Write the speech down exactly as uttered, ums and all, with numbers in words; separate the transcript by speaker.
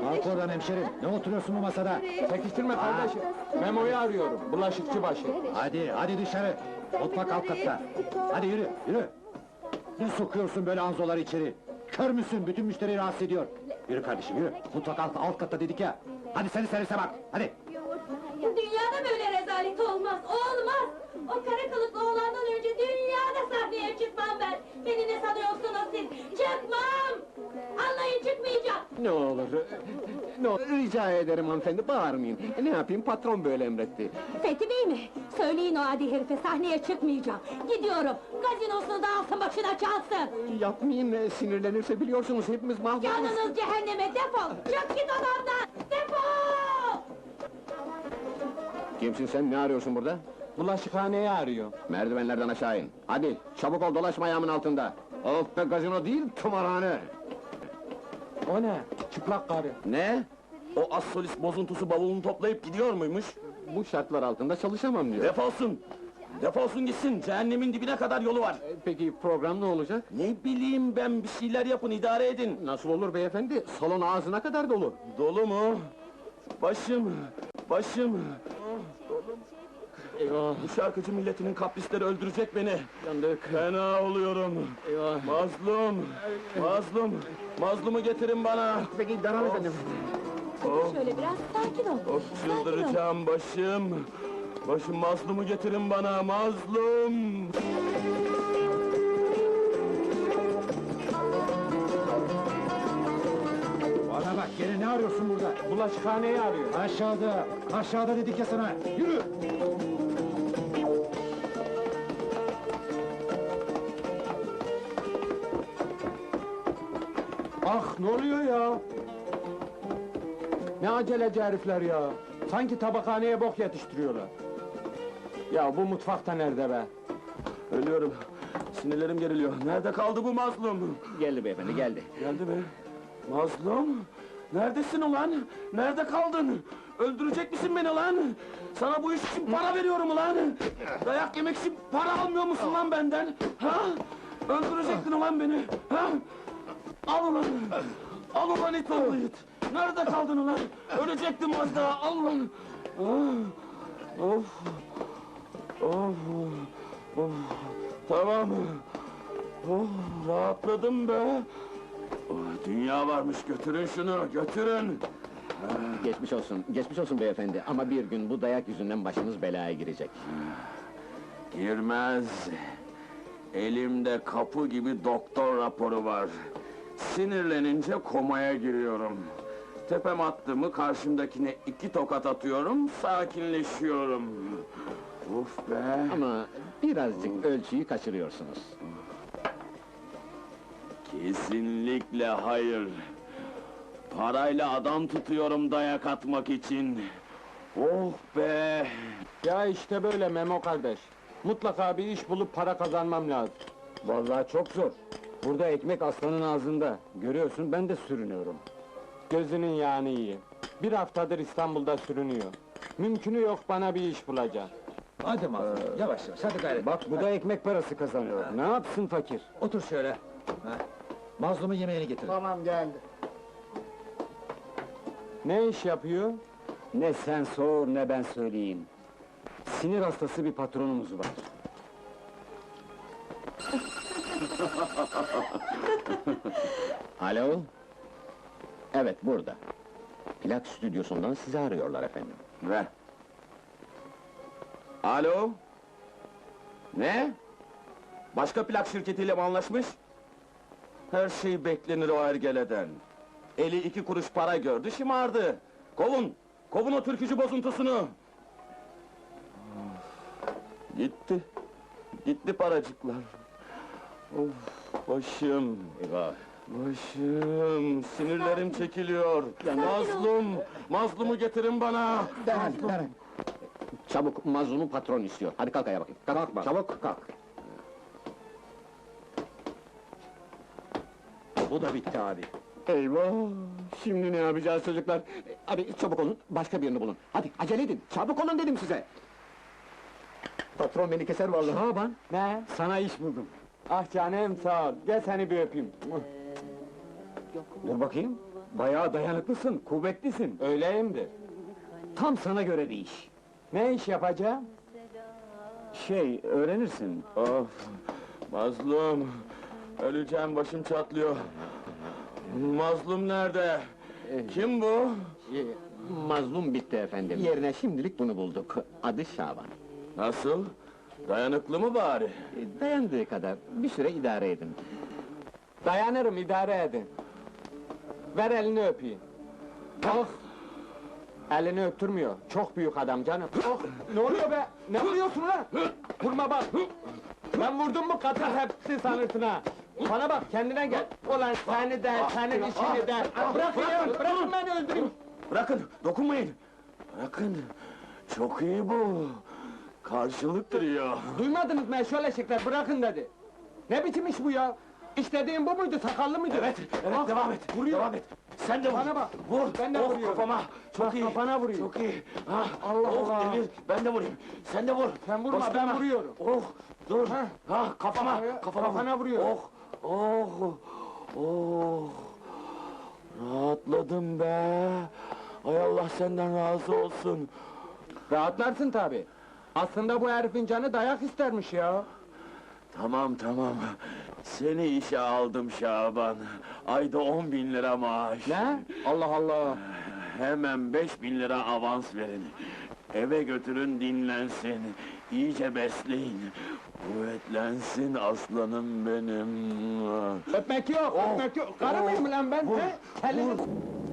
Speaker 1: Kalk oradan hemşerim, ne oturuyorsun bu masada?
Speaker 2: Çekiştirme kardeşim. Memo'yu arıyorum, bulaşıkçı başı.
Speaker 1: Hadi, hadi dışarı! Mutfak alt katta! Hadi yürü, yürü! Ne sokuyorsun böyle anzoları içeri? Kör müsün? Bütün müşteriyi rahatsız ediyor! Yürü kardeşim, yürü! Mutfak alt, alt katta dedik ya! Hadi seni servise bak, hadi!
Speaker 3: Dünyada böyle rezalet olmaz, olmaz! O kara kılıklı oğlandan önce dünyada sahneye çıkmam ben! Beni ne sanıyorsunuz siz? Çıkmam! Anlayın, çıkmayacağım!
Speaker 2: Ne olur, ne olur, rica ederim hanımefendi, bağırmayın. Ne yapayım, patron böyle emretti.
Speaker 3: Fethi Bey mi? Söyleyin o adi herife, sahneye çıkmayacağım! Gidiyorum, gazinosunu da alsın başına çalsın!
Speaker 2: Yapmayın, sinirlenirse biliyorsunuz hepimiz mahvoluruz.
Speaker 3: Canınız cehenneme, defol! Çık git odamdan! Defol!
Speaker 2: Kimsin sen, ne arıyorsun burada?
Speaker 4: Bulaşıkhaneyi arıyor.
Speaker 2: Merdivenlerden aşağı in. Hadi, çabuk ol, dolaşma ayağımın altında. Of be, gazino değil, tımarhane!
Speaker 4: O ne? Çıplak karı.
Speaker 2: Ne?
Speaker 5: O az solist bozuntusu bavulunu toplayıp gidiyor muymuş?
Speaker 2: Bu şartlar altında çalışamam diyor.
Speaker 5: Defolsun! Defolsun gitsin, cehennemin dibine kadar yolu var!
Speaker 2: E, Peki program ne olacak?
Speaker 5: Ne bileyim ben, bir şeyler yapın, idare edin!
Speaker 2: Nasıl olur beyefendi? Salon ağzına kadar dolu.
Speaker 5: Dolu mu? Başım, başım!
Speaker 2: Eyvah,
Speaker 5: Bu şarkıcı milletinin kaprisleri öldürecek beni!
Speaker 2: yandık.
Speaker 5: Fena oluyorum!
Speaker 2: Eyvah.
Speaker 5: Mazlum! Mazlum! Mazlumu getirin bana!
Speaker 2: Peki devam edelim.
Speaker 3: Şöyle biraz sakin ol!
Speaker 5: Of,
Speaker 3: Sakin ol!
Speaker 5: çıldıracağım başım! Başım, mazlumu getirin bana, mazlum!
Speaker 1: Bana bak, gene ne arıyorsun burada?
Speaker 4: Bulaşıkhaneyi arıyor.
Speaker 1: Aşağıda, aşağıda dedik ya sana! Yürü!
Speaker 4: Ah, ne oluyor ya? Ne aceleci herifler ya! Sanki tabakhaneye bok yetiştiriyorlar. Ya bu mutfakta nerede be?
Speaker 5: Ölüyorum! Sinirlerim geriliyor, nerede kaldı bu mazlum?
Speaker 2: Geldi beyefendi, geldi.
Speaker 5: Geldi mi? Mazlum! Neredesin ulan? Nerede kaldın? Öldürecek misin beni lan? Sana bu iş için para veriyorum ulan! Dayak yemek için para almıyor musun lan benden? Ha? Öldürecektin ulan beni! Ha? Al ulan! Al ulan it oğlu it! Nerede kaldın ulan? Ölecektim az daha, al ulan! Ah! Of! Of! Of! Tamam! Oh, rahatladım be! Oh, dünya varmış, götürün şunu, götürün!
Speaker 2: Geçmiş olsun, geçmiş olsun beyefendi. Ama bir gün bu dayak yüzünden başınız belaya girecek.
Speaker 5: Girmez! Elimde kapı gibi doktor raporu var. Sinirlenince komaya giriyorum. Tepem attı mı karşımdakine iki tokat atıyorum, sakinleşiyorum. Uf be!
Speaker 2: Ama birazcık ölçüyü kaçırıyorsunuz.
Speaker 5: Kesinlikle hayır! Parayla adam tutuyorum dayak atmak için! Oh be!
Speaker 4: Ya işte böyle Memo kardeş. Mutlaka bir iş bulup para kazanmam lazım.
Speaker 2: Vallahi çok zor. Burada ekmek aslanın ağzında. Görüyorsun, ben de sürünüyorum.
Speaker 4: Gözünün yağını yiyeyim. Bir haftadır İstanbul'da sürünüyor. Mümkünü yok bana bir iş bulacak.
Speaker 1: Hadi mazlum, yavaş yavaş, hadi gayret!
Speaker 2: Bak, bu da ekmek parası kazanıyor. Ne yapsın fakir?
Speaker 1: Otur şöyle! Ha. Mazlumun yemeğini getir.
Speaker 2: Tamam, geldi.
Speaker 4: Ne iş yapıyor?
Speaker 2: Ne sen sor, ne ben söyleyeyim. Sinir hastası bir patronumuz var. Alo? Evet, burada. Plak stüdyosundan sizi arıyorlar efendim.
Speaker 5: Ver! Alo? Ne? Başka plak şirketiyle mi anlaşmış? Her şey beklenir o ergeleden. Eli iki kuruş para gördü, şımardı. Kovun! Kovun o türkücü bozuntusunu! Of! Gitti! Gitti paracıklar! Of! Başım!
Speaker 2: Eyvah!
Speaker 5: Başım! Sinirlerim çekiliyor! Mazlum! Mazlumu getirin bana!
Speaker 2: Derhal, derhal! Çabuk, mazlumu patron istiyor. Hadi kalk ayağa bakayım. Kalk,
Speaker 1: Kalk bak.
Speaker 2: çabuk kalk.
Speaker 1: Bu da bitti abi.
Speaker 2: Eyvah! Şimdi ne yapacağız çocuklar? Hadi çabuk olun, başka birini bulun. Hadi acele edin, çabuk olun dedim size! Patron beni keser vallahi.
Speaker 1: Şaban,
Speaker 4: Ne?
Speaker 1: sana iş buldum.
Speaker 4: Ah canım sağ ol. Gel seni bir öpeyim.
Speaker 2: Dur bakayım.
Speaker 4: Bayağı dayanıklısın, kuvvetlisin.
Speaker 2: Öyleyimdir.
Speaker 4: Tam sana göre bir iş. Ne iş yapacağım? Şey, öğrenirsin.
Speaker 5: Of! Mazlum! Öleceğim, başım çatlıyor. Mazlum nerede? Kim bu?
Speaker 2: Ee, mazlum bitti efendim. Yerine şimdilik bunu bulduk. Adı Şaban.
Speaker 5: Nasıl? Dayanıklı mı bari?
Speaker 2: Ee, Dayandığı kadar bir süre idare edin.
Speaker 4: Dayanırım, idare edin. Ver elini öpeyim. Oh! Elini öptürmüyor, çok büyük adam canım. Oh! Ne oluyor be? Ne vuruyorsun lan? Vurma bak! Ben vurdum mu katır hepsi sanırsın ha! Bana bak, kendine gel! Ulan seni de, senin işini de! Bırakın ya, bırakın beni öldüreyim!
Speaker 5: Bırakın, dokunmayın! Bırakın! Çok iyi bu! Karşılık duruyor!
Speaker 4: Duymadınız mı şöyle eşekler, bırakın dedi! Ne biçim iş bu ya? İstediğin bu muydu, sakallı mıydı?
Speaker 5: Evet, evet,
Speaker 4: Ah,
Speaker 5: devam et!
Speaker 4: vuruyor.
Speaker 5: Devam et! Sen de vur!
Speaker 4: Bana bak,
Speaker 5: Vur!
Speaker 4: ben de
Speaker 5: oh,
Speaker 4: vuruyorum.
Speaker 5: kafama! Çok
Speaker 4: Bak,
Speaker 5: iyi!
Speaker 4: kafana vuruyor.
Speaker 5: Çok iyi! Ah,
Speaker 4: Allah
Speaker 5: oh,
Speaker 4: Allah.
Speaker 5: Demir, ben de vurayım! Sen de vur!
Speaker 4: Sen vurma,
Speaker 5: Bastırma.
Speaker 4: ben vuruyorum.
Speaker 5: Oh, dur!
Speaker 4: Heh.
Speaker 5: Ah, kafama!
Speaker 4: Kafaya-
Speaker 5: Kafama, vur.
Speaker 4: kafana vuruyorum.
Speaker 5: Oh, oh, oh! Rahatladım be! Ay Allah senden razı olsun!
Speaker 4: Rahatlarsın tabi. Aslında bu herifin canı dayak istermiş ya.
Speaker 5: Tamam tamam. Seni işe aldım Şaban. Ayda on bin lira maaş.
Speaker 4: Ne? Allah Allah!
Speaker 5: Hemen beş bin lira avans verin. Eve götürün dinlensin. İyice besleyin. Kuvvetlensin aslanım benim.
Speaker 4: Öpmek yok,
Speaker 5: Oh,
Speaker 4: öpmek yok! Karı
Speaker 5: oh,
Speaker 4: mıyım lan ben?
Speaker 5: vur,
Speaker 4: he? Elini-